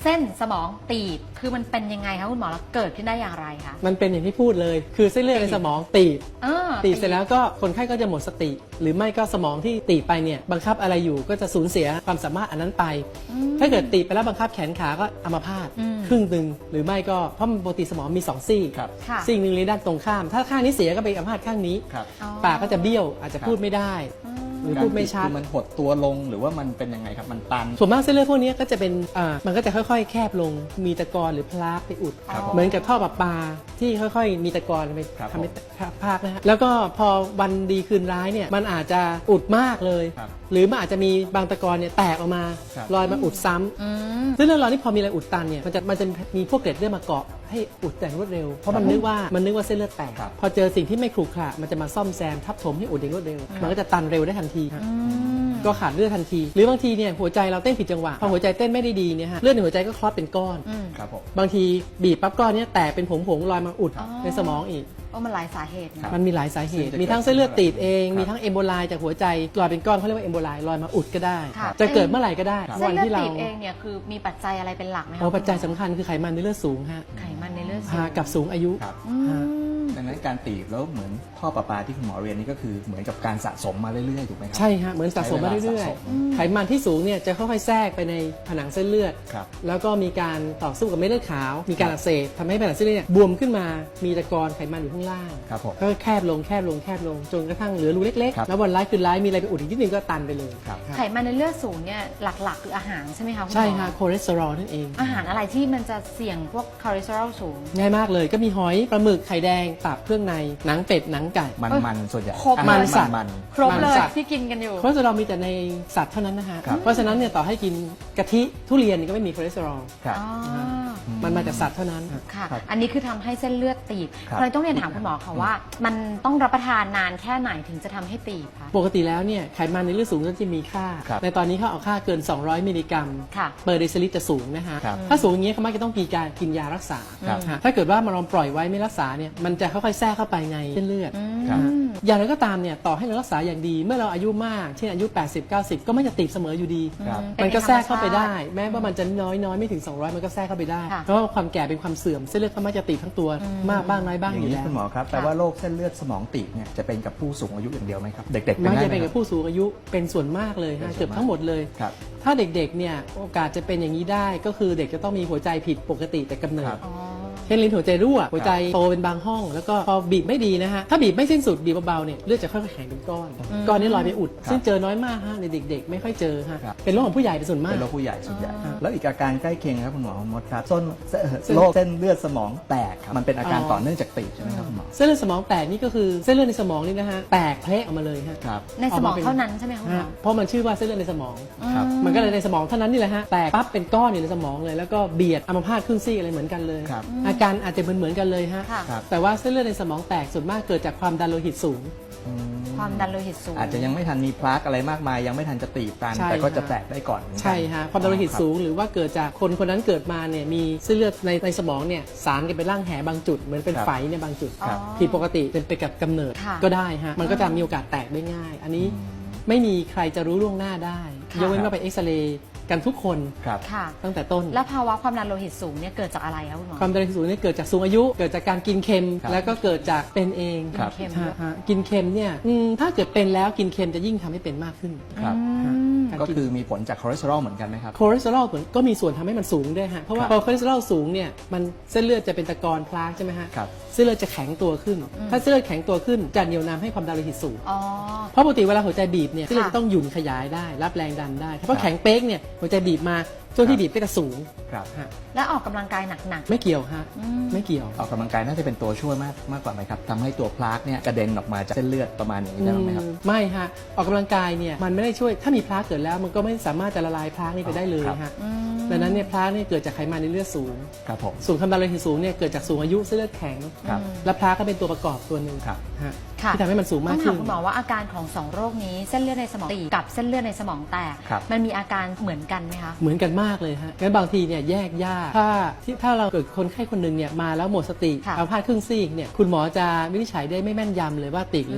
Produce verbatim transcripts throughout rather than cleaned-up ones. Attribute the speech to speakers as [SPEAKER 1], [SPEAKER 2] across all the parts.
[SPEAKER 1] เส้นสมองตีบคือมันเป็นยังไงคะคุณหมอแล้วเกิดขึ้นได้อย่างไรคะ
[SPEAKER 2] มันเป็นอย่างที่พูดเลยคือเส้นเลือดในสมองตีบ
[SPEAKER 1] เออ
[SPEAKER 2] ตีบเสร็จแล้วก็คนไข้ก็จะหมดสติ หรือไม่ก็สมองที่ตีบไปเนี่ยบังคับอะไรอยู่ก็จะสูญเสียความสามารถอันนั้นไป ถ้าเกิดตีบไปแล้วบังคับแขนขาก็อัมพาตครึ่งหนึ่งหรือไม่ก็เพราะมันปกติสมองมีสองซี่
[SPEAKER 3] ครับ
[SPEAKER 1] ค่ะ
[SPEAKER 2] ซี่หนึ่งในด้านตรงข้าม ถ้าข้างนี้เสียก็ไปอัมพาตข้างนี้
[SPEAKER 3] ครับ
[SPEAKER 1] อ๋อ
[SPEAKER 2] ปากก็จะเบี้ยวอาจจะพูดไม่ได้ หรือพูดไม่ชัด
[SPEAKER 3] คือมันหดตัวลงหรือว่ามันเป็นยังไงครับมันตัน
[SPEAKER 2] ส่วนมากเส้นเลือดพวกนี้ก็จะเป็นอ่ามันก็จะค่อยๆ แคบลง มีตะกอนหรือพลาสไปอุด
[SPEAKER 3] ครับ
[SPEAKER 2] เหมือนกับท่อประปาที่ค่อยๆ มีตะกอนไป
[SPEAKER 3] ครับ
[SPEAKER 2] ทำให้พากนะฮะ แล้วก็พอวันดีคืนร้ายเนี่ย มันอาจจะอุดมากเลย
[SPEAKER 3] ครับ
[SPEAKER 2] หรือมันอาจจะมีบางตะกอนเนี่ยแตกออกมา
[SPEAKER 3] ครับ
[SPEAKER 2] ลอยมาอุดซ้ำ
[SPEAKER 1] อืม
[SPEAKER 2] ซึ่งเรื่องราวนี้พอมีอะไรอุดตันเนี่ย มันจะมันจะมีพวกเกล็ดเลือดมาเกาะให้อุดแต่งรวดเร็ว เพราะมันนึกว่ามันนึกว่าเส้นเลือดแตก
[SPEAKER 3] ครับ
[SPEAKER 2] พอเจอสิ่งที่ไม่ขรุขระมันจะมาซ่อมแซมทับถมให้อุดอย่างรวดเร็ว มันก็จะตันเร็วได้ทันทีครับ
[SPEAKER 1] อืม
[SPEAKER 2] ก็ขาดเลือดทันที หรือบางทีเนี่ยหัวใจเราเต้นผิดจังหวะพอหัวใจเต้นไม่ได้ดีเนี่ยฮะเลือดในหัวใจก็คลอตเป็นก้อน
[SPEAKER 1] อืม
[SPEAKER 3] ครับผม
[SPEAKER 2] บางทีบีบปั๊บก้อนเนี้ยแตกเป็นผงผงๆลอยมาอุด
[SPEAKER 1] อ๋อ
[SPEAKER 2] ในสมองอีก
[SPEAKER 1] โอ้มันหลายสาเหตุ
[SPEAKER 3] ครั
[SPEAKER 1] นะ
[SPEAKER 3] บ
[SPEAKER 2] มันมีหลายสาเหตุ
[SPEAKER 3] ซึ่งจะ
[SPEAKER 2] มีทั้งเส้นเลือดตีบเอง
[SPEAKER 3] ครับ
[SPEAKER 2] มีทั้งเอมโบไลจากหัวใจลอยเป็นก้อนเขาเรียกว่าเอมโบไลลอยมาอุดก็ได้
[SPEAKER 1] ค่ะ
[SPEAKER 2] จะเกิดเมื่อไหร่ก็ได้
[SPEAKER 3] ครับ
[SPEAKER 1] เส้น
[SPEAKER 2] วัน
[SPEAKER 1] เลือด
[SPEAKER 2] ที่เรา
[SPEAKER 1] ตีบเองเนี่ยคือมีปัจจัยอะไรเป็นหลักไหมคะ
[SPEAKER 2] โอ้ปัจจัยสำคัญคือไขมันในเลือดสูงฮะ
[SPEAKER 1] ไขมันในเลือดสู
[SPEAKER 2] ฮะ
[SPEAKER 1] ง
[SPEAKER 2] กับสูงอายุ
[SPEAKER 3] ครับ
[SPEAKER 1] อืม
[SPEAKER 2] ฮะ
[SPEAKER 3] ดังนั้นการตีบแล้วเหมือนท่อประปาที่คุณหมอเรียนนี่ก็คือเหมือนกับการสะสมมาเรื่อยๆถูกไหมครั
[SPEAKER 2] ใช่ฮะเหมือนสะสมมาเรื่อย
[SPEAKER 3] ใช้เวลาสะสม
[SPEAKER 2] ๆ ไขมันที่สูงเนี่ยจะค่อยๆแทรกไปในผนังเส้นเลือด
[SPEAKER 3] ครับ
[SPEAKER 2] แล้วก็มีการต่อสู้กับเม็ดเลือดขาว มีการอักเสบทำให้ผนังเส้นเลือดเนี่ยบวมขึ้นมา มีตะกอนไขมันอยู่ข้างล่าง
[SPEAKER 3] ครับผม
[SPEAKER 2] ก็แคบลงแคบลงแคบลงจนกระทั่งเหลือรูเล็ก
[SPEAKER 3] ครับ
[SPEAKER 2] ๆ แล้ววันร้ายคืนร้ายมีอะไรไปอุดอีกนิดนึงก็ตันไปเลย
[SPEAKER 3] ครับ
[SPEAKER 1] ไขมันในเลือดสูงเนี่ยหลักๆ คืออาหารใช่ไหมคะคุณหมอ
[SPEAKER 2] ใช่ฮะคอเลสเตอรอลนั่นเอง
[SPEAKER 1] อาหารอะไรที่มันจะเสี่ยงพวกคอเลสเตอรอลสูง
[SPEAKER 2] ง่ายมากเลยก็มีหอยปลาหมึกไข่แดงตับเครื่องในหนังเป็ดหนังไก่
[SPEAKER 3] มัน
[SPEAKER 1] เอ้ย
[SPEAKER 3] มันส่วนใหญ่
[SPEAKER 1] ครบ
[SPEAKER 3] อา
[SPEAKER 2] มั
[SPEAKER 3] หาร
[SPEAKER 2] นสัตว์
[SPEAKER 3] มัน
[SPEAKER 1] ครบเลย
[SPEAKER 2] มันสัตว์
[SPEAKER 1] ที่กินกันอยู่
[SPEAKER 2] คอเลสเตอรอลมีแต่ในสัตว์เท่านั้นนะฮะ
[SPEAKER 3] ครับ
[SPEAKER 2] เพราะฉะนั้นเนี่ยต่อให้กินกะทิทุเรียนนี่ก็ไม่มีคอเลสเตอรอล
[SPEAKER 3] ครับ
[SPEAKER 1] อ๋อ
[SPEAKER 2] มันมาจากสัตว์เท่านั้น
[SPEAKER 1] ค่ะ
[SPEAKER 3] ครับ
[SPEAKER 1] อันนี้คือทำให้เส้นเลือดตีบ
[SPEAKER 3] ครับ
[SPEAKER 1] เลยต้องเรียนถามคุณหมอค่ะว่า มันต้องรับประทานนานแค่ไหนถึงจะทำให้ตีบคะ
[SPEAKER 2] ปกติแล้วเนี่ยไขมันในเลือดสูงก็จะมีค่า
[SPEAKER 3] ครับ
[SPEAKER 2] ในตอนนี้เขาเอาค่าเกิน สองร้อย มิลลิกรัม
[SPEAKER 1] ค่ะ
[SPEAKER 2] เปอร์เดซิลิตรจะสูงนะฮะ
[SPEAKER 3] ครับ
[SPEAKER 2] ถ้าสูงอย่างนี้เขามักจะต้องมีการกินยารักษา
[SPEAKER 3] ครับ
[SPEAKER 2] ฮะถ้าเกิดว่ามันเราปล่อยไว้ไม่รักษาเนี่ยมันจะค่อยๆแทรกเข้าไปในเส้นเลือด
[SPEAKER 3] ครับ
[SPEAKER 2] ฮะอย่างไรก็ตามเนี่ยต่อให้เรารักษาอย่างดีเมื่อเราอายุมากเช่นอายุ แปดสิบ เก้าสิบ ก็ไม่จะติดเสมออยู่ดี
[SPEAKER 3] ครับ
[SPEAKER 2] มันก็แทรกเข้าไปได้ แม้ว่ามันจะน้อยน้อยๆไม่ถึง สองร้อย มันก็แทรกเข้าไปได้
[SPEAKER 1] ค่ะ
[SPEAKER 2] เพราะว่าความแก่เป็นความเสื่อมเส้นเลือดเขามักจะตีบทั้งตัวมากบ้างน้อยบ้าง
[SPEAKER 3] อ
[SPEAKER 2] อยู่
[SPEAKER 3] ย่างนี้
[SPEAKER 2] แล้ว
[SPEAKER 3] คุณหมอครับแปลว่าโรคเส้นเลือดสมองตีบเนี่ยจะเป็นกับผู้สูงอายุอย่างเดียวไหมครับ เด็กๆเป็น
[SPEAKER 2] มัก
[SPEAKER 3] ได้
[SPEAKER 2] จะ
[SPEAKER 3] ไหม
[SPEAKER 2] เป็น
[SPEAKER 3] ค
[SPEAKER 2] กั
[SPEAKER 3] รั
[SPEAKER 2] บบ ผู้สูงอายุเป็นส่วนมากเลย
[SPEAKER 3] เป็น
[SPEAKER 2] ฮะ
[SPEAKER 3] ส่วนมาก
[SPEAKER 2] เกือบทั้งหมดเลย
[SPEAKER 3] ครับ
[SPEAKER 2] ถ้าเด็กๆเนี่ยโอกาสจะเป็นอย่างนี้ได้ก็คือเด็กจะต้องมีหัวใจผิดปกติแต่กำเนิ
[SPEAKER 3] ครั
[SPEAKER 2] ด
[SPEAKER 3] บ
[SPEAKER 1] อ๋อ
[SPEAKER 2] เช่นลิ้นหัวใจรั่วหัวใจโตเป็นบางห้อง แล้วก็พอบีบไม่ดีนะฮะถ้าบีบไม่สิ้นสุดบีบเบาๆเนี่ยเลือดจะค่อยๆแข็งเป็นก้อน ก้อนนี้ลอยไปอุด
[SPEAKER 3] ครับ
[SPEAKER 2] ซึ่งเจอน้อยมากฮะในเด็ก ๆ ไม่ค่อยเจอฮะ
[SPEAKER 3] ครับ
[SPEAKER 2] เป็นโรคของผู้ใหญ่เป็นส่วนมาก
[SPEAKER 3] เป็นโรคผู้ใหญ่ส่วนใหญ่
[SPEAKER 1] อ๋อ
[SPEAKER 3] แล้วอีกอาการใกล้เคียงครับคุณหมอมดครับส้นเอ่อ
[SPEAKER 2] เส้น
[SPEAKER 3] โรคเส้นเลือดสมองแตกครับมันเป็นอาการ
[SPEAKER 2] อ๋อ
[SPEAKER 3] ต่อเนื่องจากตีบใช่ไหมครับคุณหมอ
[SPEAKER 2] เส้นเลือดสมองแตกนี่ก็คือเส้นเลือดในสมองนี่นะฮะแตกเพละออกมาเลยฮะ
[SPEAKER 3] ครับ
[SPEAKER 1] ในสมองเท่านั้นใช่ไหมคะคุณหมอ
[SPEAKER 2] ฮะเพราะมันชื่อว่าเส้นเลือดในสมอง
[SPEAKER 3] ครับ
[SPEAKER 2] มันก็เลยในสมองเท่านั้นนี่แหละฮะแตกปั๊บเป็นก้อนอยู่ในสมองเลย แล้วก็เบียดอัมพาตครึ่งซีกอะไรเหมือนกันเลย
[SPEAKER 3] ครับ
[SPEAKER 2] อาการอาจจะเหมือนเหมือนๆกันเลยฮะ
[SPEAKER 1] ค่ะ
[SPEAKER 3] ครับ
[SPEAKER 2] แต่ว่าเส้นเลือดในสมองแตกส่วนมากเกิดจากความดันโลหิตสูง
[SPEAKER 3] อืม
[SPEAKER 1] ความดันโลหิตสูง
[SPEAKER 3] อาจจะยังไม่ทันมีพลาสอะไรมากมาย ยังไม่ทันจะตีบกัน
[SPEAKER 2] ใช่
[SPEAKER 3] แต่ก็
[SPEAKER 2] ฮะ
[SPEAKER 3] จะแตกได้ก่อนเหมือนกัน
[SPEAKER 2] ใช่ฮะความดันโลหิตสูงหรือว่าเกิดจากคนคนนั้นเกิดมาเนี่ยมีเส้นเลือดในในสมองเนี่ยสารกันไปร่างแหบางจุดเหมือนเป็น
[SPEAKER 3] ครับ
[SPEAKER 2] ไฝในบางจุด
[SPEAKER 3] ครับ
[SPEAKER 2] ผิดปกติเป็นไปกับกำเนิด
[SPEAKER 1] ค่ะ
[SPEAKER 2] ก็ได้ฮะมันก็จะมีโอกาสแตกได้ง่าย อันนี้ไม่มีใครจะรู้ล่วงหน้าได้
[SPEAKER 1] ค่ะ
[SPEAKER 2] ยกเว้นว่าไปเอ็กซเรย์กันทุกคน
[SPEAKER 3] ครับ
[SPEAKER 1] ค่ะ
[SPEAKER 2] ตั้งแต่ต้น
[SPEAKER 1] แล้วภาวะความดันโลหิตสูงเนี่ยเกิดจากอะไรคะคุณหมอ
[SPEAKER 2] ความดันโลหิตสูงเนี่ยเกิดจากสูงอายุ เกิดจากการกินเค็ม
[SPEAKER 3] ครับ
[SPEAKER 2] แล้วก็เกิดจากเป็นเอง
[SPEAKER 3] ครับ
[SPEAKER 1] เค็ม
[SPEAKER 2] ฮะฮะกินเค็มเนี่ยอืมถ้าเกิดเป็นแล้วกินเค็มจะยิ่งทำให้เป็นมากขึ้น
[SPEAKER 3] ครับ
[SPEAKER 1] อืม
[SPEAKER 2] ฮะ
[SPEAKER 3] ก็คือมีผลจากคอเลสเตอรอลเหมือนกันไหมครับ
[SPEAKER 2] คอเลสเตอรอลเหมือนก็มีส่วนทำให้มันสูงด้วยฮะเพราะว่า
[SPEAKER 3] ครับ
[SPEAKER 2] พอคอเลสเตอรอลสูงเนี่ยมันเส้นเลือดจะเป็นตะกอนพลาสใช่ไหมฮะ
[SPEAKER 3] ครับ
[SPEAKER 2] เส้นเลือดจะแข็งตัวขึ้น ถ้าเส้นเลือดแข็งตัวขึ้นจะเหนี่ยวนำให้ความดันโลหิตสูง
[SPEAKER 1] อ๋อ
[SPEAKER 2] เพราะปกติเวลาหัวใจบีบเนี่ยเส้นเลือด
[SPEAKER 1] ค่ะ
[SPEAKER 2] จะต้องหยุ่นขยายได้รับแรงดันได้เพราะ
[SPEAKER 3] ครั
[SPEAKER 2] แข็
[SPEAKER 3] บ
[SPEAKER 2] งเป๊กเนี่ยหัวใจบีบมาช่วงที่บีบก็จะสูง
[SPEAKER 3] ครับ
[SPEAKER 2] ฮะ
[SPEAKER 1] แล้วออกกำลังกายหนัก
[SPEAKER 2] ไม่เกี่ยวฮะ
[SPEAKER 1] อืม
[SPEAKER 2] ไม่เกี่ยว
[SPEAKER 3] ออกกำลังกายน่าจะเป็นตัวช่วยมากมากกว่าไหมครับทำให้ตัวพลาสเนี่ยกระเด็นออกมาจากเส้นเลือดประมาณอย่างนี้ได้ไหมครับ
[SPEAKER 2] อืมไม่ฮะออกกำลังกายเนี่ยมันไม่ได้ช่วยถ้ามีพลาสเกิดแล้วมันก็ไม่สามารถจะละลายพลาสนี่ไปได้เลย
[SPEAKER 3] ครับ
[SPEAKER 2] ฮะ
[SPEAKER 1] ๆอืม
[SPEAKER 2] ดังนั้นเนี่ยพลาสเนี่ยเกิดจากไขมันในเลือดสูง
[SPEAKER 3] ครับผม
[SPEAKER 2] สูงความดันโลหิตสูงเนี่ยเกิดจากสูงอายุเส้นเลือดแข็ง
[SPEAKER 3] ครับ
[SPEAKER 2] และพลาสก็เป็นตัวประกอบตัวหนึ่ง
[SPEAKER 3] ครับ
[SPEAKER 2] ฮะ
[SPEAKER 1] ค่ะ
[SPEAKER 2] ที่ทำให้มันสูง
[SPEAKER 1] ต้
[SPEAKER 2] มา
[SPEAKER 1] อก งถา
[SPEAKER 2] ขึ้
[SPEAKER 1] ม
[SPEAKER 2] น
[SPEAKER 1] คุณหมอว่าอาการของสองโรคนี้เส้นเลือดในสมองตีบกับเส้นเลือดในสมองแตก
[SPEAKER 3] ครับ
[SPEAKER 1] มันมีอาการเหมือนกันไหมคะ
[SPEAKER 2] เหมือนกันมากเลยฮะงั้นบางทีเนี่ยแยกยากถ้าที่ถ้าเราเกิดคนไข้คนหนึ่งเนี่ยมาแล้วหมดสติ
[SPEAKER 1] ค่ะ
[SPEAKER 2] เอาพลาดครึ่งซีกเนี่ยคุณหมอจะวินิจฉัยได้ไม่แม่นยำเลยว่าติดหรือ
[SPEAKER 1] อืม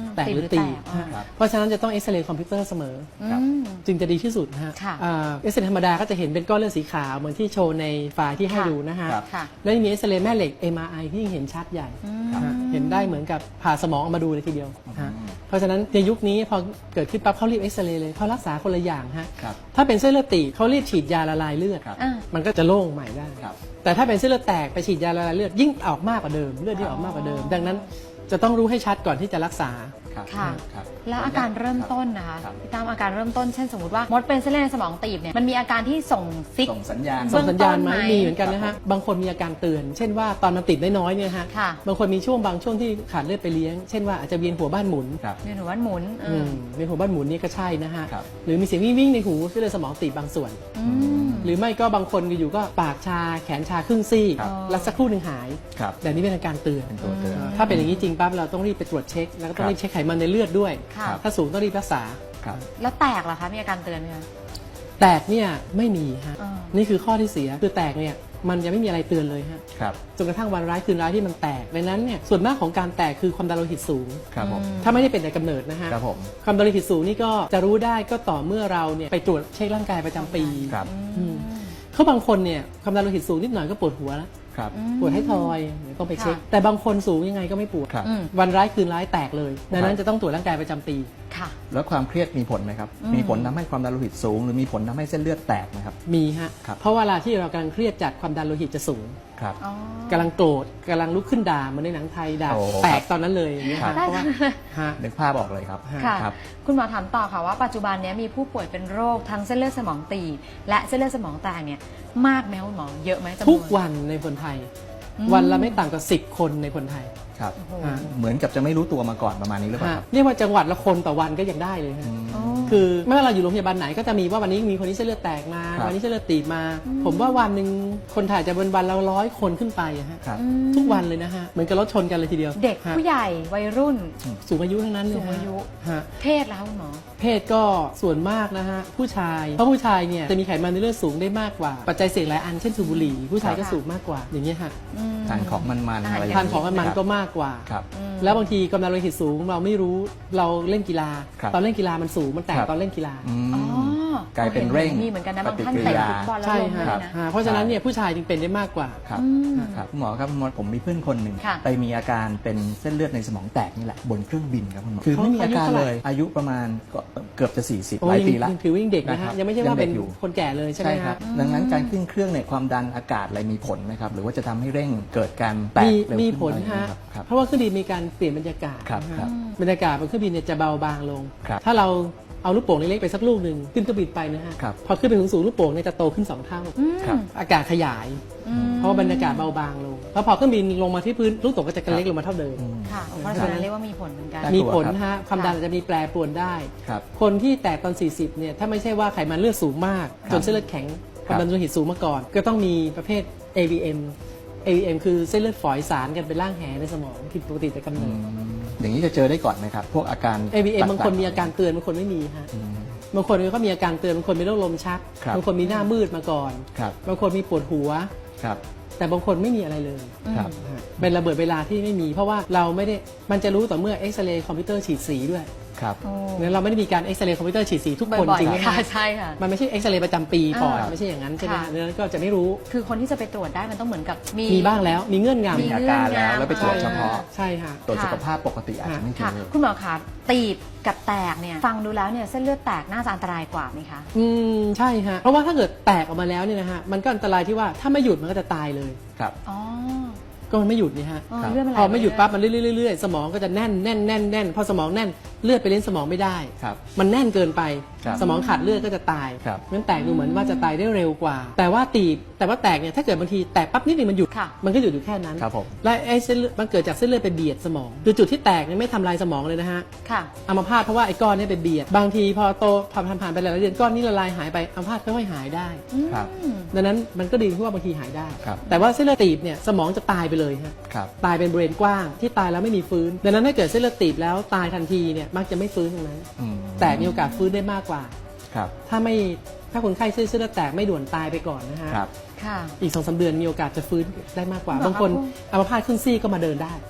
[SPEAKER 2] แตกหรือ
[SPEAKER 1] ตี
[SPEAKER 2] ตี
[SPEAKER 1] บหรือแตก
[SPEAKER 2] ฮะ
[SPEAKER 3] ครับ
[SPEAKER 2] เพราะฉะนั้นจะต้องเอ็กซเรย์คอมพิวเตอร์เสมอ
[SPEAKER 1] อื
[SPEAKER 3] ครับ
[SPEAKER 1] ม
[SPEAKER 2] จึงจะดีที่สุดนะฮะ
[SPEAKER 1] ค่ะ
[SPEAKER 2] อ่าเอ็กซเรย์ธรรมดาก็จะเห็นเป็นก้อนเลือดสีขาวเหมือนที่โชว์ในไฟล์ที่ให้
[SPEAKER 1] ค่ะ
[SPEAKER 2] ดูนะฮะ
[SPEAKER 3] ครับ
[SPEAKER 1] ค่ะ
[SPEAKER 2] แล้วยังมีเอ็กซเรย์แม่เหล็ก เอ็ม อาร์ ไอ ที่ยิ่งเห็นชัดใหญ่
[SPEAKER 1] อืม
[SPEAKER 2] ฮะเห็นได้เหมือนกับผ่าสมองออกมาดูเลยทีเดียวฮะ
[SPEAKER 3] อืม
[SPEAKER 2] เพราะฉะนั้นในยุคนี้พอเกิดขึ้นปั๊บเขารีบเอ็กซเรย์เลยเขารักษาคนละอย่างฮะ
[SPEAKER 3] ครับ
[SPEAKER 2] ถ้าเป็นเส้นเลือดตีบเขารีบฉีดยาละลายเลือด
[SPEAKER 3] ครับ
[SPEAKER 1] อ่า
[SPEAKER 2] มันก็จะโล่งใหม่ได้
[SPEAKER 3] ครับ
[SPEAKER 2] แต่ถ้าเป็นเส้นเลือดแตกไปฉีดยาละลายเลือดยิ่งออกมากกว่าเดิมเลือดยิ่งออกมากกว่าเดิม ดังนั้นจะต้องรู้ให้ชัดก่อนที่จะรักษา
[SPEAKER 3] ครับ
[SPEAKER 1] ค่ะ
[SPEAKER 3] ครับ
[SPEAKER 1] แล้วอาการเริ่มต้นนะคะ
[SPEAKER 3] ครับ
[SPEAKER 1] พี่ตามอาการเริ่มต้นเช่นสมมติว่ามดเป็นเส้นเลือดในสมองตีบเนี่ยมันมีอาการที่ส่งซิก
[SPEAKER 3] ส่งสัญญาณ
[SPEAKER 1] เบื้
[SPEAKER 2] ส่
[SPEAKER 1] อง ง
[SPEAKER 2] สัญญาณไหม
[SPEAKER 1] ต้นไหม
[SPEAKER 2] มีเหมือนกันนะฮะบางคนมีอาการเตือน เช่นว่าตอนมันติดน้อยๆเนี่ยฮะ
[SPEAKER 1] ค่ะ
[SPEAKER 2] บางคนมีช่วงบางช่วงที่ขาดเลือดไปเลี้ยง เช่นว่าอาจจะเวียนหัวบ้านหมุน
[SPEAKER 3] ครับ
[SPEAKER 1] เวียนหัวหมุนเอ
[SPEAKER 2] อื
[SPEAKER 1] อ
[SPEAKER 2] มเวียนหัวบ้านหมุนนี่ก็ใช่นะฮะ
[SPEAKER 3] ครับ
[SPEAKER 2] หรือมีเสียงวิ่งวิ่งๆในหูเส้นเลือดสมองตีบบางส่วน
[SPEAKER 1] อืม
[SPEAKER 2] หรือไม่ก็บางคนอยู่ๆก็ปากชาแขนชาครึ่งซี่
[SPEAKER 3] ครับ
[SPEAKER 2] แล้วสักครู่หนึ่งหาย
[SPEAKER 3] ครับ
[SPEAKER 2] แบบนี้เป็นอาการเตือน
[SPEAKER 3] เป็นตัวเตือน
[SPEAKER 2] ถ้าเป็นอย่างนี้จริงปั๊บเราต้องรีบไปตรวจเช็ค แล้วก็ต้องรีบเช็คไขมันในเลือดด้วย
[SPEAKER 1] ค่ะ
[SPEAKER 3] ครับ
[SPEAKER 2] ถ้าสูงต้องรีบรักษา
[SPEAKER 3] ครับ
[SPEAKER 1] แล้วแตกเหรอคะมีอาการเตือนไหมคะ
[SPEAKER 2] แตกเนี่ยไม่มีฮะ
[SPEAKER 1] อ่า
[SPEAKER 2] นี่คือข้อที่เสียคือแตกเนี่ยมันจะไม่มีอะไรเตือนเลยฮะ
[SPEAKER 3] ครับ
[SPEAKER 2] จนกระทั่งวันร้ายคืนร้ายที่มันแตกดังนั้นเนี่ยส่วนมากของการแตกคือความดันโลหิตสูง
[SPEAKER 3] ครับผม
[SPEAKER 2] ถ้าไม่ได้เป็นแต่กำเนิดนะฮะ
[SPEAKER 3] ครับผม
[SPEAKER 2] ความดันโลหิตสูงนี่ก็จะรู้ได้ก็ต่อเมื่อเราเนี่ยไปตรวจเช็คร่างกายประจำปี
[SPEAKER 3] ครับ
[SPEAKER 2] อืมเขาบางคนเนี่ยความดันโลหิตสูงนิดหน่อยก็ปวดหัวแล้ว
[SPEAKER 3] ครับ
[SPEAKER 2] ปวดให้ทอยเดี๋ยวต้องไปเช็ค
[SPEAKER 1] ค่ะ
[SPEAKER 2] แต่บางคนสูงยังไงก็ไม่ปวด
[SPEAKER 3] ครับ
[SPEAKER 1] อืม
[SPEAKER 2] วันร้ายคืนร้ายแตกเลยดังนั้นจะต้องตรวจร่างกายประจำปี
[SPEAKER 1] ค่ะ
[SPEAKER 3] แล้วความเครียดมีผลไหมครับ
[SPEAKER 1] อืม
[SPEAKER 3] มีผลทำให้ความดันโลหิตสูง หรือมีผลทำให้เส้นเลือดแตกไหมครับ
[SPEAKER 2] มีฮะ
[SPEAKER 3] ครับ
[SPEAKER 2] เพราะเวลาที่เรากำลังเครียดจัดความดันโลหิตจะสูง
[SPEAKER 3] ครับ
[SPEAKER 1] อ๋อ
[SPEAKER 2] กำลังโกรธกำลังลุกขึ้นด่าเหมือนในหนังไทยด่า
[SPEAKER 3] โอ้
[SPEAKER 2] แตกตอนนั้นเลยอย่างเงี้ย
[SPEAKER 3] ครั
[SPEAKER 2] ฮะ
[SPEAKER 3] บ
[SPEAKER 2] เพราะว่าฮะ
[SPEAKER 3] นึกภาพออกเลยครับ
[SPEAKER 1] ค่ะ
[SPEAKER 3] ครับ
[SPEAKER 1] คุณหมอถามต่อค่ะว่าปัจจุบันเนี้ยมีผู้ป่วยเป็นโรคทั้งเส้นเลือดสมองตีบและเส้นเลือดสมองแตกเนี่ยมากไหมคุณหมอเยอะไหมจำนวน
[SPEAKER 2] ทุกวันในคนไทย
[SPEAKER 1] อืม
[SPEAKER 2] วันละไม่ต่ำกว่าสิบคนในคนไทย
[SPEAKER 3] ครับ
[SPEAKER 1] โอ้โห
[SPEAKER 2] ฮะ
[SPEAKER 3] เหมือนกับจะไม่รู้ตัวมาก่อนประมาณนี้หรือเปล่า
[SPEAKER 2] ฮะ
[SPEAKER 3] ครับ
[SPEAKER 2] เรียกว่าจังหวัดละคนต่อวันก็ยังได้เลยฮะ
[SPEAKER 3] อืม
[SPEAKER 1] อ๋อ
[SPEAKER 2] คือไม่ว่าเราอยู่โรงพยาบาลไหนก็จะมีว่าวันนี้มีคนนี้เส้นเลือดแตกมา
[SPEAKER 3] ครับ
[SPEAKER 2] วันนี้เส้นเลือดตีบมา ผมว่าวันหนึ่งคนไทยจะเป็นวันละร้อยคนขึ้นไปอะฮะ
[SPEAKER 3] ครับ
[SPEAKER 1] อืม
[SPEAKER 2] ทุกวันเลยนะฮะเหมือนกับรถชนกันเลยทีเดียว
[SPEAKER 1] เด็ก
[SPEAKER 2] ฮะ
[SPEAKER 1] ผู้ใหญ่วัยรุ่น
[SPEAKER 2] สูงอายุทั้งนั้นเลย
[SPEAKER 1] สูงอายุ
[SPEAKER 2] ฮะ
[SPEAKER 1] เพศแล้วคุณหมอ
[SPEAKER 2] เพศก็ส่วนมากนะฮะผู้ชายเพราะผู้ชายเนี่ยจะมีไขมันในเลือดสูงได้มากกว่า ปัจจัยเสี่ยงหลายอันเช่นสูบบุหรี่ผู้ชายก็
[SPEAKER 1] ค่ะ
[SPEAKER 2] สูบมากกว่าอย่างเงี้ยฮะ
[SPEAKER 1] อืม
[SPEAKER 3] ทานของมันๆอะไร
[SPEAKER 2] ทานของมัน
[SPEAKER 3] ครับ
[SPEAKER 2] ก็มากกว่า
[SPEAKER 3] ครับ
[SPEAKER 1] อืม
[SPEAKER 2] แล้วบางทีกำลังโลหิตสูงเราไม่รู้เราเล่นกีฬา
[SPEAKER 3] ครับ
[SPEAKER 2] ตอนเล่นกีฬามันสูงมันแตก
[SPEAKER 3] ครับ
[SPEAKER 2] ตอนเล่นกีฬา
[SPEAKER 3] อืม
[SPEAKER 1] อ๋อ
[SPEAKER 3] กลายเป็นเร่ง
[SPEAKER 1] มีเหมือนกันนะบางท่าน
[SPEAKER 3] ปฏิกิริ
[SPEAKER 1] เตะ
[SPEAKER 3] ยา
[SPEAKER 1] ฟุตบอลแล้ว
[SPEAKER 2] ใช่
[SPEAKER 1] ลงเล
[SPEAKER 2] ฮะ
[SPEAKER 1] ย
[SPEAKER 3] ครับ
[SPEAKER 1] นะ
[SPEAKER 2] ฮะเพราะฉะนั้นเนี่ยผู้ชายจึงเป็นได้มากกว่า
[SPEAKER 3] ครับ
[SPEAKER 1] อืม
[SPEAKER 3] ครับคุณหมอครับคุณหมอผมมีเพื่อนคนหนึ่ง
[SPEAKER 1] ค่ะ
[SPEAKER 3] ไปมีอาการเป็นเส้นเลือดในสมองแตกนี่แหละบนเครื่องบินครับคุณหมอคือ
[SPEAKER 2] เขา
[SPEAKER 3] ไม่มีอาการ
[SPEAKER 2] อายุเท่าไหร่
[SPEAKER 3] เลยอายุประมาณก็เกือบจะสี่สิบ
[SPEAKER 2] โอ้
[SPEAKER 3] หลาย
[SPEAKER 2] ยัง
[SPEAKER 3] ปีละ
[SPEAKER 2] ยังถือว่ายังเด็กนะ
[SPEAKER 3] ครั
[SPEAKER 2] ฮะ
[SPEAKER 3] บ
[SPEAKER 2] ยังไม่ใช่ว่าเป็น
[SPEAKER 3] ยังเด็กอยู่
[SPEAKER 2] คนแก่เลยใช่ไหม
[SPEAKER 3] ใช่ครั
[SPEAKER 2] ฮะ
[SPEAKER 3] บดังนั้นการขึ้นเครื่องเนี่ยความดันอากาศอะไรมีผลไหมครับหรือว่าจะทำให้เร่งเกิดการแตก
[SPEAKER 2] มี
[SPEAKER 3] เร็ว
[SPEAKER 2] มี
[SPEAKER 3] ขึ้น
[SPEAKER 2] ผล
[SPEAKER 3] อะไรอย่าง
[SPEAKER 2] ฮะ
[SPEAKER 3] เงี้ยครับครับ
[SPEAKER 2] เพราะว่าเครื่องบินมีการเปลี่ยนบรรยากาศ
[SPEAKER 3] ครับ
[SPEAKER 2] นะ
[SPEAKER 3] ครั
[SPEAKER 2] ฮะ
[SPEAKER 3] บ
[SPEAKER 2] บรรยากาศบนเครื่องบินเนี่ยจะเบาบางลง
[SPEAKER 3] ครับ
[SPEAKER 2] ถ้าเราเอาลูกโป่งเล็กๆไปสักลูกหนึ่งขึ้นเครื่องบินไปนะฮะ
[SPEAKER 3] ครับ
[SPEAKER 2] พอขึ้นไปสูงๆลูกโป่งเนี่ยจะโตขึ้นสองเท่า
[SPEAKER 1] อืม
[SPEAKER 3] ครับ
[SPEAKER 2] อากาศขยาย
[SPEAKER 1] อืม
[SPEAKER 2] เพราะว่าบรรยากาศเบาบางลงแล้วพอเครื่องบินลงมาที่พื้นลูกโป่งก็จะกระเล็กลงมาเท่าเดิม
[SPEAKER 3] อืม
[SPEAKER 1] ค่ะเพราะฉะนั้นเรียกว่ามีผลเหมือนกัน
[SPEAKER 3] ได้
[SPEAKER 2] มีผล
[SPEAKER 3] ครับ
[SPEAKER 2] ฮะความดันอาจจะมีแปรปรวนได้
[SPEAKER 3] ครับ
[SPEAKER 2] คนที่แตกตอน สี่สิบ เนี่ยถ้าไม่ใช่ว่าไขมันเลือดสูงมาก
[SPEAKER 3] ครับ
[SPEAKER 2] จนเส้นเลือดแข็งค
[SPEAKER 3] ครับ
[SPEAKER 2] วามดันโลหิตสูงมาก่อน ก็ต้องมีประเภท เอ วี เอ็ม เอ วี เอ็ม คือเส้นเลือดฝอยสารกันเป็นร่างแหในสมองผิดปกติแต่กำ
[SPEAKER 3] อื
[SPEAKER 2] เนิด
[SPEAKER 3] มอย่างนี้จะเจอได้ก่อนไหมครับ พวกอาการ
[SPEAKER 2] เอ วี เอ็ม บางคนมีอาการ
[SPEAKER 3] ต่
[SPEAKER 2] เตือนบางคนไม่มีฮะ
[SPEAKER 3] ๆอืม
[SPEAKER 2] บางคนก็มีอาการเตือนบางคนมีโรคลมชัก
[SPEAKER 3] ครับ
[SPEAKER 2] บางคนมีหน้ามืดมาก่อน
[SPEAKER 3] ครับ
[SPEAKER 2] บางคนมีปวดหัว
[SPEAKER 3] ครับ
[SPEAKER 2] แต่บางคนไม่มีอะไรเลย
[SPEAKER 3] ครับ
[SPEAKER 2] ฮะเป็นระเบิดเวลาที่ไม่มี เพราะว่าเราไม่ได้มันจะรู้ต่อเมื่อเอ็กซเรย์คอมพิวเตอร์ฉีดสีด้วย
[SPEAKER 3] ครับ
[SPEAKER 1] โอ้
[SPEAKER 2] งั้นเราไม่ได้มีการเอ็กซเรย์คอมพิวเตอร์ฉีดสีทุกคน
[SPEAKER 1] บ่อย
[SPEAKER 2] จริงไหม
[SPEAKER 1] ๆ
[SPEAKER 2] ฮะ
[SPEAKER 1] ค่ะใช่ค่ะ
[SPEAKER 2] มันไม่ใช่เอ็กซเรย์ประจำปีก่อน
[SPEAKER 1] อ่า
[SPEAKER 2] ไม่ใช่อย่างนั้นใช่ไหม
[SPEAKER 1] ค่ะ
[SPEAKER 2] ดังนั้นก็จะไม่รู้
[SPEAKER 1] คือคนที่จะไปตรวจได้มันต้องเหมือนกับมี
[SPEAKER 2] มีบ้างแล้วมีเงื่อนงำ
[SPEAKER 3] มีอาการแล้วแล้วไปตรวจเฉพาะ
[SPEAKER 2] ใช่ค่ะ
[SPEAKER 3] ตรวจสุขภาพปกติอาจจะไม่เจ
[SPEAKER 1] ค่ะ
[SPEAKER 3] อ
[SPEAKER 1] คุณหมอคะตีบกับแตกเนี่ยฟังดูแล้วเนี่ยเส้นเลือดแตกน่าจะอันตรายกว่าไหมคะ
[SPEAKER 2] อืมใช่ฮะเพราะว่าถ้าเกิดแตกออกมาแล้วเนี่ยนะฮะมันก็อันตรายที่ว่าถ้าไม่หยุดมันก็จะตายเลย
[SPEAKER 3] ครับ
[SPEAKER 1] อ๋อ
[SPEAKER 2] ก็มันไม่หยุดนี่ฮะ
[SPEAKER 1] อ๋อ
[SPEAKER 3] ครับ
[SPEAKER 1] เลือดมันไหล
[SPEAKER 2] พอไม่หยุดปั๊บ
[SPEAKER 1] ป
[SPEAKER 2] มันเรื่อยๆๆๆสมองก็จะแน่นแน่นแน่นแน่นพอสมองแน่นเลือดไปเลี้ยงสมองไม่ได้
[SPEAKER 3] ครับ
[SPEAKER 2] มันแน่นเกินไป
[SPEAKER 3] ครับ
[SPEAKER 2] สมองขาดเลือดก็จะตาย
[SPEAKER 3] ครับ
[SPEAKER 2] งั้นแตกดูเหมือนว่าจะตายได้เร็วกว่า แต่ว่าตีบแต่ว่าแตกเนี่ยถ้าเกิดบางทีแตกปั๊บนิดนึงมันหยุด
[SPEAKER 1] ค่ะ
[SPEAKER 2] มันก็หยุดอยู่แค่นั้น
[SPEAKER 3] ครับผม
[SPEAKER 2] และไอ้เส้นเลือดมันเกิดจากเส้นเลือดไปเบียดสมองคือจุดที่แตกเนี่ยไม่ทำลายสมองเลยนะฮะ
[SPEAKER 1] ค่ะ
[SPEAKER 2] อัมพาตเพราะว่าไอ้ก้อนเนี้ไปเบียด บางทีพอโตผ่านผ่านไปหลายเดือนก้อนนี้ละลายหายไปอัมพาตค่อยๆหายได้
[SPEAKER 3] ครับ
[SPEAKER 2] ดังนั้นมันก็ดีที่ว่าบางทีหายได้
[SPEAKER 3] ครับ
[SPEAKER 2] แต่ว่าเส้นเลือดตีบเนี่ยสมองจะตายไปเลยฮะ
[SPEAKER 3] ครับ
[SPEAKER 2] ตายเป็นบริเวณกว้างที่ตายแล้วไม่มีฟื้น ดังนั้นถ้าเกิดเส้นเลือดตีบแล้วตายทันทีเนี่ยมักจะไม่ฟื้นตรงนั้น
[SPEAKER 3] อืม
[SPEAKER 2] แต่มีโอกาสฟื้นได้มากกว่า
[SPEAKER 3] ครับ
[SPEAKER 2] ถ้าไม่ถ้าคนไข้เส้นเลือดแตกไม่ด่วนตายไปก่อนนะฮะ
[SPEAKER 3] ครับ
[SPEAKER 1] ค่ะ
[SPEAKER 2] อีกสองสามเดือนมีโอกาสจะฟื้นได้มากกว่า
[SPEAKER 1] หรอคะ
[SPEAKER 2] บางคน
[SPEAKER 1] คุณ
[SPEAKER 2] อัมพาตครึ่งซี่ก็มาเดินได้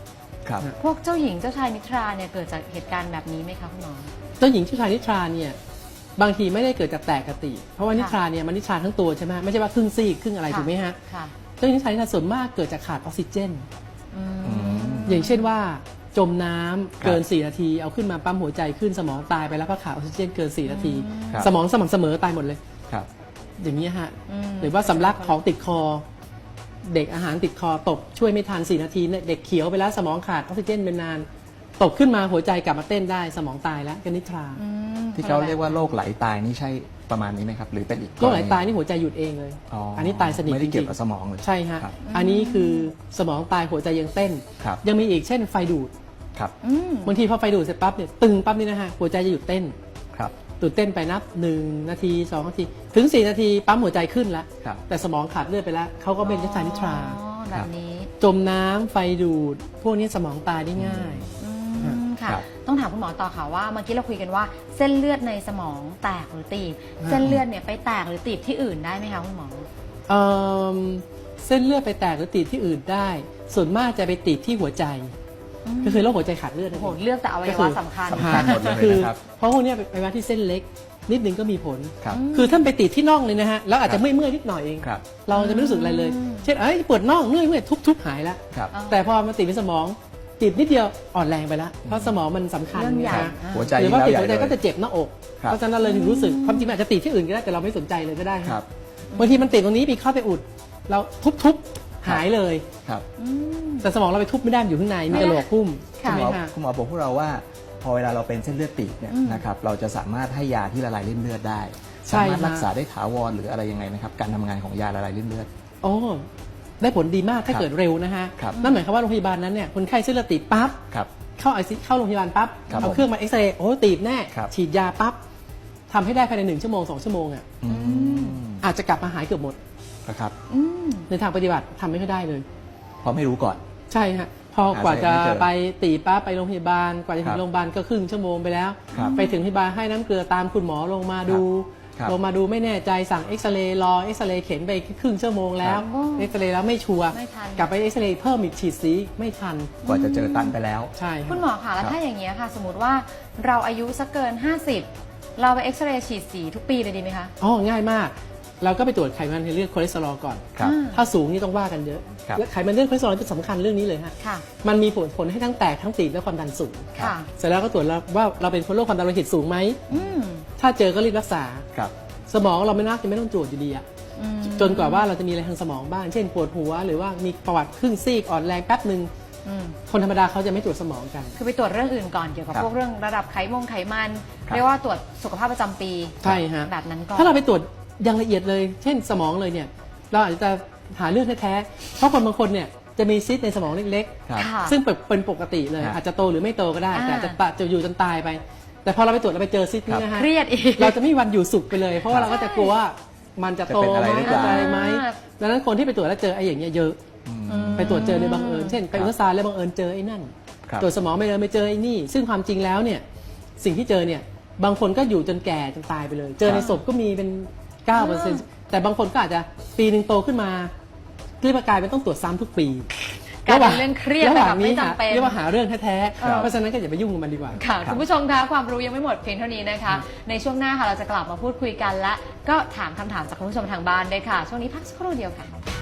[SPEAKER 3] ครับ
[SPEAKER 1] พวกเจ้าหญิงเจ้าชายนิทราเนี่ยเกิดจากเหตุการณ์แบบนี้ไหมคะคุณหมอ
[SPEAKER 2] เจ้าหญิงเจ้าชายนิทราเนี่ยบางทีไม่ได้เกิดจากแตกกติ เพราะว่านิทราเนี่ยมันนิทราทั้งตัวใช่ไหมไม่ใช่ว่าครึ่งซีกครึ่งอะไร
[SPEAKER 1] ค่ะ
[SPEAKER 2] ถูกไหมฮะ
[SPEAKER 1] ค่ะ
[SPEAKER 2] เจ้าหญิงนิทรานี่ส่วนมากเกิดจากขาดออกซิเจน
[SPEAKER 1] อืม
[SPEAKER 3] อืม
[SPEAKER 2] อย่างเช่นว่าจมน้ำ
[SPEAKER 3] ครับ
[SPEAKER 2] เกินสี่นาทีเอาขึ้นมาปั๊มหัวใจขึ้นสมองตายไปแล้วเพราะขาดออกซิเจนเกินสี่นาที
[SPEAKER 3] ครับ
[SPEAKER 2] สมองสม่ำเสมอตายหมดเลย
[SPEAKER 3] ครับ
[SPEAKER 2] อย่างนี้ยฮะ
[SPEAKER 1] อืม
[SPEAKER 2] หรือว่าสำลักของติดคอ เด็กอาหารติดคอตกช่วยไม่ทันสี่นาทีเนี่ยเด็กเขียวไปแล้วสมองขาดออกซิเจนเป็นนาน ตกขึ้นมาหัวใจกลับมาเต้นได้สมองตายแล้วก็นิทรา
[SPEAKER 1] อืม
[SPEAKER 3] ที่เขาเรียกว่าโรคไหลตายนี่ใช่ประมาณนี้ไหมครับ หรือเป็นอีก
[SPEAKER 2] โรคไหลตายนี่หัวใจหยุดเองเลย
[SPEAKER 3] อ๋ออั
[SPEAKER 2] อันนี้ตายสนิท
[SPEAKER 3] ไม่ได้เกี่ยว
[SPEAKER 2] จริงๆ
[SPEAKER 3] กับสมองเลย
[SPEAKER 2] ใช่ฮะ
[SPEAKER 3] ครับ
[SPEAKER 2] อันนี้คือสมองตายหัวใจยังเต้น
[SPEAKER 3] ครับ
[SPEAKER 2] ยังมีอีกเช่นไฟดูด
[SPEAKER 3] ครับ
[SPEAKER 1] อืม
[SPEAKER 2] บางทีพอไฟดูดเสร็จปั๊บเนี่ยตึงปั๊บนี่นะฮะหัวใจจะหยุดเต้น
[SPEAKER 3] ครับ
[SPEAKER 2] หยุดเต้นไปนับหนึ่งนาทีสองนาทีถึงสี่นาทีปั๊มหัวใจขึ้นแล้ว
[SPEAKER 3] ครับ
[SPEAKER 2] แต่สมองขาดเลือดไปแล้วเขาก็เป็นนิทรานิทรา
[SPEAKER 1] อ๋อแบบนี้
[SPEAKER 2] จมน้ำไฟดูด พวกนี้สมองตายได้ง่าย
[SPEAKER 1] อืมค่ะ
[SPEAKER 3] ครับ
[SPEAKER 1] ต้องถามคุณหมอต่อค่ะว่าเมื่อกี้เราคุยกันว่าเส้นเลือดในสมองแตกหรือตีบ
[SPEAKER 2] อ่า
[SPEAKER 1] เส้นเลือดเนี่ยไปแตกหรือตีบที่อื่นได้ไหมคะคุณหมอ
[SPEAKER 2] เอิ่มเส้นเลือดไปแตกหรือตีบที่อื่นได้ ส่วนมากจะไปติดที่หัวใจ
[SPEAKER 1] อืม
[SPEAKER 2] ก็คือโรคหัวใจขาดเลือดนั่น
[SPEAKER 1] โอ้
[SPEAKER 2] เอ
[SPEAKER 1] โห
[SPEAKER 2] ง
[SPEAKER 1] เลือกแต่อวัยวะสำคัญ
[SPEAKER 3] สำคัญหมดเลย
[SPEAKER 2] คือ
[SPEAKER 3] นะครับ
[SPEAKER 2] เพราะพวกเนี้ยไปว่าที่เส้นเล็ก นิดนึงก็มีผล
[SPEAKER 3] ครับ
[SPEAKER 2] คือท่านไปติดที่น่องเลยนะฮะแล้วอาจ
[SPEAKER 3] ครั
[SPEAKER 2] จะ
[SPEAKER 3] บ
[SPEAKER 2] เมื่อยเมื่อยๆนิดหน่อยเอง
[SPEAKER 3] ครับ
[SPEAKER 2] เราจะไม่รู้สึกอะไรเลย
[SPEAKER 1] อืม
[SPEAKER 2] เช่นเอ้ยปวดน่องเมื่อยเมื่อยทุบๆหายแล้ว
[SPEAKER 3] ครับ
[SPEAKER 1] อ๋อ
[SPEAKER 2] แต่พอมาติดในสมองติดนิดเดียวอ่อนแรงไปแล้วเพราะสมองมันสำคัญ
[SPEAKER 1] เรื่องใหญ่
[SPEAKER 2] นะ
[SPEAKER 3] หัวใจ
[SPEAKER 2] หรือว่า
[SPEAKER 3] ยิ่
[SPEAKER 2] ติด
[SPEAKER 3] งแล้ว
[SPEAKER 2] หัวใจ
[SPEAKER 3] ใหญ่
[SPEAKER 2] ก็
[SPEAKER 3] เลย
[SPEAKER 2] จะเจ็บหน้าอก
[SPEAKER 3] ครับ
[SPEAKER 2] เพราะฉะนั้นเราเลยถึงรู้สึกความจริงมันอาจจะติดที่อื่นก็ได้แต่เราไม่สนใจเลยก็ได้
[SPEAKER 3] ครับ
[SPEAKER 2] บางทีมันติดตรงนี้มีเข้าไปอุด เราทุบๆหายเลย
[SPEAKER 3] ครับ
[SPEAKER 1] อืม
[SPEAKER 2] แต่สมองเราไปทุบไม่ได้มันอยู่ข้างในมีกระโหลกหุ้ม
[SPEAKER 1] ค่ะ
[SPEAKER 2] ใช่
[SPEAKER 3] คุณ
[SPEAKER 2] ไห
[SPEAKER 3] ห
[SPEAKER 2] ม
[SPEAKER 3] มอ
[SPEAKER 2] ฮะ
[SPEAKER 3] คุณหมอบอกพวกเราว่า พอเวลาเราเป็นเส้นเลือดตีบเนี่ย
[SPEAKER 1] อืม
[SPEAKER 3] นะครับเราจะสามารถให้ยาที่ละลายริ่มเลือดได้
[SPEAKER 2] ใช่
[SPEAKER 3] สามารถ
[SPEAKER 2] ฮะ
[SPEAKER 3] รักษาได้ถาวรหรืออะไรยังไงไหมครับการทำงานของยาละลายริ่มเลือด
[SPEAKER 2] โอ้ได้ผลดีมากถ้า
[SPEAKER 3] ครับ
[SPEAKER 2] เกิดเร็วนะฮะ
[SPEAKER 3] ครับ
[SPEAKER 2] นั่นหมายความว่าโรงพยาบาลนั้นเนี่ยคนไข้เส้นเลือดตีบปั๊บ
[SPEAKER 3] ครับ
[SPEAKER 2] เข้าไอซีเข้าโรงพยาบาลปั๊บ
[SPEAKER 3] ครับ
[SPEAKER 2] เอา
[SPEAKER 3] ผม
[SPEAKER 2] เครื่องมาเอ็กซเรย์โอ้ตีบแน่
[SPEAKER 3] ครับ
[SPEAKER 2] ฉีดยาปั๊บทำให้ได้ภายในหนึ่งชั่วโมงสองชั่วโมงอ่ะ
[SPEAKER 3] อืม
[SPEAKER 2] อาจจะกลับมาหายเกือบหมด
[SPEAKER 3] นะครับ
[SPEAKER 1] อืม
[SPEAKER 2] ในทางปฏิบัติทำไม่ค่อยได้เลย
[SPEAKER 3] เพราะไม่รู้ก่อน
[SPEAKER 2] ใช่ฮะพอกว่าจะ
[SPEAKER 3] หาสาเหตุไม่เจอ
[SPEAKER 2] ไปตีปั๊บไปโรงพยาบาลกว่าจะถึ
[SPEAKER 3] ครั
[SPEAKER 2] ง
[SPEAKER 3] บ
[SPEAKER 2] โรงพยาบาลก็ครึ่งชั่วโมงไปแล้ว
[SPEAKER 3] ครับ
[SPEAKER 2] ไปถึงโรงพยาบาลให้น้ำเกลือตามคุณหมอลงมาดู
[SPEAKER 3] ครับ
[SPEAKER 2] ลงมาดูไม่แน่ใจสั่งเอ็กซเรย์รอเอ็กซเรย์เข็นไปครึ่งชั่วโมงแล้ว
[SPEAKER 1] ครับ
[SPEAKER 2] เอ็กซเรย์แล้วไม่ชัวร์
[SPEAKER 1] ไม่ทัน
[SPEAKER 2] กลับไปเอ็กซเรย์เพิ่มอีกฉีดสีไม่ทัน
[SPEAKER 3] กว่าจะเจอตันไปแล้ว
[SPEAKER 2] ใช่ฮะ
[SPEAKER 1] คุณหมอคะแล้ว
[SPEAKER 3] ครับ
[SPEAKER 1] ถ้าอย่างเงี้ยค่ะ สมมติว่าเราอายุสักเกิน ห้าสิบ เราไปเอ็กซเรย์ฉีดสีทุกปีเลยดีไหมคะ
[SPEAKER 2] อ๋อง่ายมาก เราก็ไปตรวจไขมันในเลือดคอเลสเตอรอลก่อน
[SPEAKER 3] ครับ
[SPEAKER 1] อ่า
[SPEAKER 2] ถ้าสูงนี่ต้องว่ากันเยอะ
[SPEAKER 3] ครับ
[SPEAKER 2] และไขมันเลือดคอเลสเตอรอลจะสำคัญเรื่องนี้เลยฮะ
[SPEAKER 1] ค่ะ
[SPEAKER 2] มันมีผลผลให้ทั้งแตกทั้งตีบและความดันสูง
[SPEAKER 1] ค่ะ
[SPEAKER 2] เสร็จแล้วก็ตรวจแล้วว่าเราเป็นคนโรคความดันโลหิตสูงไหม
[SPEAKER 1] อืม
[SPEAKER 2] ถ้าเจอก็รีบรักษา
[SPEAKER 3] ครับ
[SPEAKER 2] สมองเราไม่น่าจะไม่ต้องตรวจอยู่ดีอะ
[SPEAKER 1] อืม
[SPEAKER 2] จนกว่าว่าเราจะมีอะไรทางสมองบ้าง เช่นปวดหัว หรือว่ามีประวัติครึ่งซีกอ่อนแรงแป๊บหนึ่ง
[SPEAKER 1] อืม
[SPEAKER 2] คนธรรมดาเขาจะไม่ตรวจสมองกัน
[SPEAKER 1] คือไปตรวจเรื่องอื่นก่อนเกี่ยวกับ
[SPEAKER 3] ครับ
[SPEAKER 1] พวกเรื่องระดับไขมงไขมัน
[SPEAKER 3] ครับ
[SPEAKER 1] เรียกว่าตรวจสุขภาพประจำปี
[SPEAKER 2] ใช่ฮะ
[SPEAKER 1] แบบนั้นก่อน
[SPEAKER 2] ถ้าเราไปตรวจอย่างละเอียดเลย เช่นสมองเลยเนี่ย เราอาจจะหาเรื่องแท้ๆ เพราะคนบางคนเนี่ยจะมีซิสในสมองเล็ก
[SPEAKER 3] ครับ
[SPEAKER 1] ค่ะ
[SPEAKER 2] ๆ ซึ่งเป็นปกติเลย
[SPEAKER 3] ครับ
[SPEAKER 2] อาจจะโตหรือไม่โตก็ได้
[SPEAKER 1] อ่า
[SPEAKER 2] แต่อาจจะปะจะอยู่จนตายไป แต่พอเราไปตรวจเราไปเจอซิสนี้นะฮะ
[SPEAKER 1] เครียดอีก
[SPEAKER 2] เราจะไม่มีวันอยู่สุขไปเลย เพราะว่าเราก็จะกลัวว่ามันจะโต
[SPEAKER 3] จะเป็นอะไร
[SPEAKER 2] ไหม
[SPEAKER 3] หรือเปล่า
[SPEAKER 2] อะไรไหม
[SPEAKER 1] อ่า
[SPEAKER 2] ดังนั้นคนที่ไปตรวจแล้วเจอไอ้อย่างเงี้ยเยอะ
[SPEAKER 3] อืม
[SPEAKER 2] ไปตรวจเจอโดยบังเอิญ เช่นไปอุลตราซาวด์แล้วบังเอิญเจอไอ้นั่น
[SPEAKER 3] ครับ
[SPEAKER 2] ตรวจสมองไม่เลยไม่เจอไอ้นี่ ซึ่งความจริงแล้วเนี่ยสิ่งที่เจอเนี่ยบางคนก็อยู่จนแก่จนตายไปเลย เจอในศพก็มีเป็นเก้าเปอร์เซ็นต์แต่บางคนก็อาจจะปีหนึ่งโตขึ้นมาเรียกว่ากลายเป็นต้องตรวจซ้ำทุกปี
[SPEAKER 1] กลายเป็นเรื่องเครียด
[SPEAKER 2] ระหว่าง
[SPEAKER 1] แบบไม่
[SPEAKER 2] นี้
[SPEAKER 1] จำเป็น
[SPEAKER 2] เรียกว่าหาเรื่องแท้
[SPEAKER 3] ครับ
[SPEAKER 2] ๆเพราะฉะนั้นก็อย่าไปยุ่งกับมันดีกว่า
[SPEAKER 1] ค่ะ
[SPEAKER 3] ครับ
[SPEAKER 1] คุณผู้ชมคะความรู้ยังไม่หมดเพียงเท่านี้นะคะ ในช่วงหน้าค่ะเราจะกลับมาพูดคุยกันและก็ถามคำถามจากคุณผู้ชมทางบ้านด้วยค่ะ ช่วงนี้พักสักครู่เดียวค่ะ